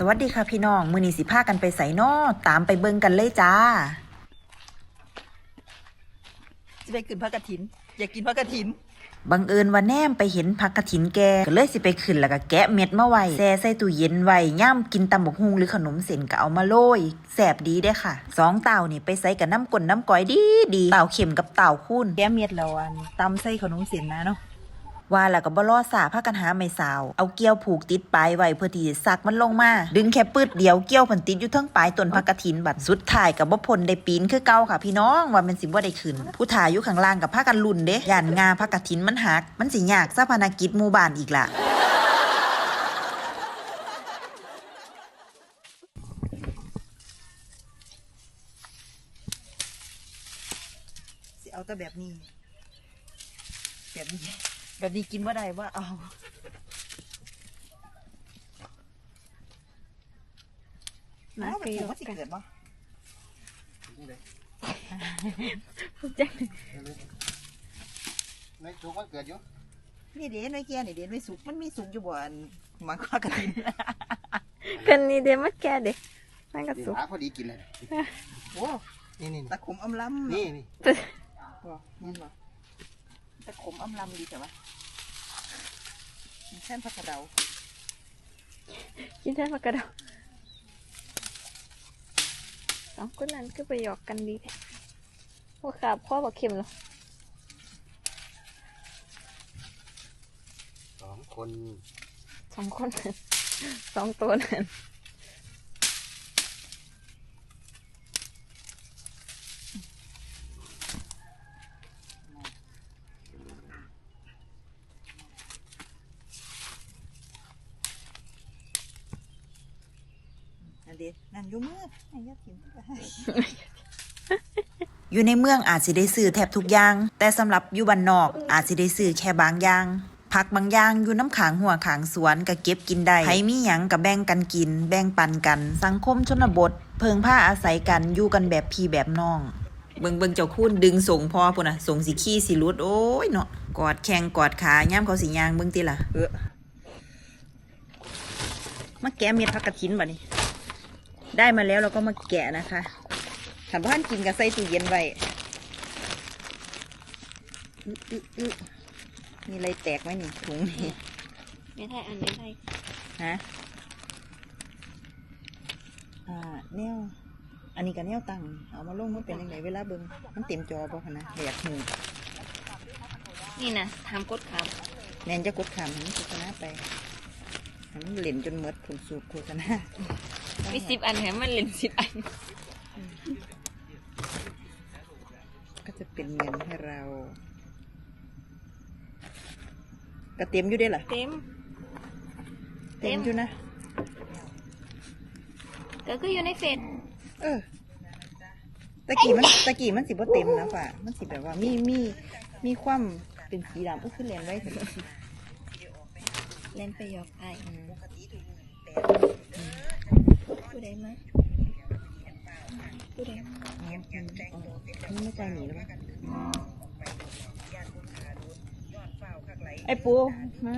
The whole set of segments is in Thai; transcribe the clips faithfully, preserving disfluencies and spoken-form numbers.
สวัสดีค่ะพี่น้องมื้อนี้สิพากันไปไสน้อตามไปเบิ่งกันเลยจ้าสิไปขึ้นพระกฐินอยากกินพระกฐินบังเอิญว่าแนมไปเห็นผักกฐินแกก็เลยสิไปขึ้นแล้วก็แกะเม็ดมาไว้แช่ใส่ตู้เย็นไว้ย่ำกินตำบักหุ่งหรือขนมเส้นก็เอามาโรยแซ่บดีเด้ค่ะสองเต่านี่ไปใส่กับน้ำก้นน้ำก้อยดีดีเต่าเข็มกับเต่าคูนแกะเม็ดแล้วอันตำใส่ขนมเส้นนะเนาะว่าแล้วก็บ่รอสาพากันหาไม้สาวเอาเกี้ยวผูกติดปลายไว้เพื่อที่จะซักมันลงมาดึงแค่ปืดเดียวเกี้ยวพันติดอยู่ทั้งปลายต้นผักกฐินบัดสุดท้ายก็บ่พ้นได้ปีนคือเก่าค่ะพี่น้องว่ามันสิบ่ได้ขึ้นผู้ถ่ายอยู่ข้างล่างกับพากันลุ้นเด้ย่านงาผักกฐินมันหักมันสิยากซะภารกิจหมู่บ้านอีกล่ะสิเอาแต่แบบนี้แบบนี้แบบนี้กินว่าได้ว่าเอาน้าไปยกกันบ่จังไม่สุกมันเกิดอยู่นี่เด่นไว้แก่นี่เด่นไว้สุกมันมีสุกอยู่บ่อันมังค่ากระถินกันนี่เดี๋ยวมาแก่เด็กมันก็สุกพอดีกินเลยโอ้นี่นี่ตะขมอำลำนี่นี่บ่นี่บ่ตะขมอำลำดีแต่ว่าแค่ผักกระเดากินแค่ผักกระเดาสองคนนั้นก็ไปหยอกกันดีพวกขาพ่อบอกเข็มหรอสองคนสองคนสองตัวนั้นนั่นอยู่เมืองอยู่ในเมืองอาจสิได้ซื้อแทบทุกอย่างแต่สำหรับอยู่บ้านนอกอาจสิได้ซื้อแค่บางอย่างผักบางอย่างอยู่น้ำขางหัวขางสวนก็เก็บกินได้ใครมีหยังก็แบ่งกันกินแบ่งปันกันสังคมชนบทเพิงผ้าอาศัยกันอยู่กันแบบพี่แบบน้องเบิ่งเบิ่งเจ้าคุณดึงส่งพอพุ่นน่ะส่งสิขี้สิรุดโอ้ยเนาะกอดแข้งกอดขาย่ำเขาสิย่างเบิ่งติล่ะเออมาแกะเม็ดผักกฐินบ่นี่ได้มาแล้วเราก็มาแกะนะคะถามว่าท่านกินกับใส่ตู้เย็นไว้มีอะไรแตกไหมนี่ถุงนี่ไม่ได้อันไม่ได้ฮะอ่าแนวอันนี้กับแนวตั้งเอามาลงมันเป็นยังไงเวลาเบิ้งมันเต็มจอป่ะนะอยากหูนี่นะทำกดขามแนนจะกดขามมันโฆษณาไปมันเหล่นจนเมดผลสูบโฆษณามีสิบอันแถมมันเล่นสิบอันก็จะเป็นเงินให้เราก็เต็มอยู่ได้หรอเต็มเต็มอยู่นะก็คืออยู่ในเฟซเออตะกี้มันตะกี้มันสิบ่เต็มนะฝ่ามันสิแบบว่ามีมีมีความเป็นสีดำก็คือเล่นไว้เถอะเล่นไปหยอกไอ้ผู้ใดมาผู้ใดนี่ไม่ใจหนีหรือเปล่าไอ้ปูมา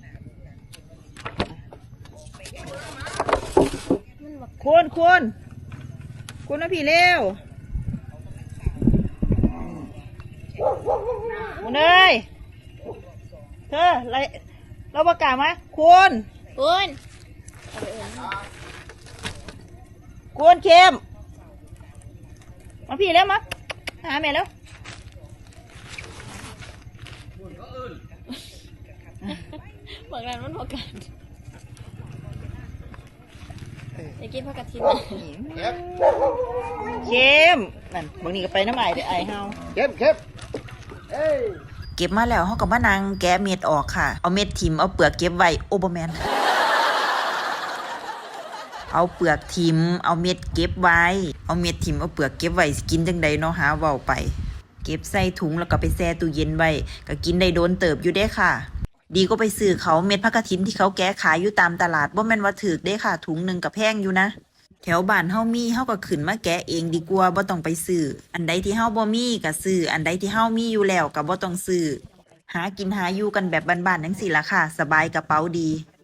คุณคุณคุณนะพี่เร็วคุณเอ้ยเธออะไรเราประกาศมาคุณคุณคุณเข้มมาพี่แล้วมาหาแม่แล้วบอกแล้วมันพอกันอยากกินผักกฐินเข้มนั่นบางทีก็ไปน้ำไอเดี๋ยวไอเฮาเข้มเข้มเก็บมาแล้วเขาก็มานางแกะเม็ดออกค่ะเอาเม็ดทิมเอาเปลือกเก็บไว้โอเบอร์แมนเอาเปลือกทิมเอาเม็ดเก็บไว้เอาเม็ดทิมเอาเปลือกเก็บไว้กินจังใดเนาะหาเว้าไปเก็บใส่ถุงแล้วก็ไปแช่ตู้เย็นไว้ก็กินได้โดนเติบอยู่เด้ค่ะดีก็ไปซื้อเขาเม็ดผักกฐินที่เขาแกะขายอยู่ตามตลาดบ่แม่นว่าถูกเด้ค่ะถุงนึงก็แพงอยู่นะแถวบ้านเฮามีเฮาก็ขึ้นมาแกะเองดีกว่าบ่ต้องไปซื้ออันใดที่เฮาบ่มีก็ซื้ออันใดที่เฮามีอยู่แล้วก็บ่ต้องซื้อหากินหาอยู่กันแบบบ้านๆจังซี่ล่ะค่ะสบายกระเป๋าดี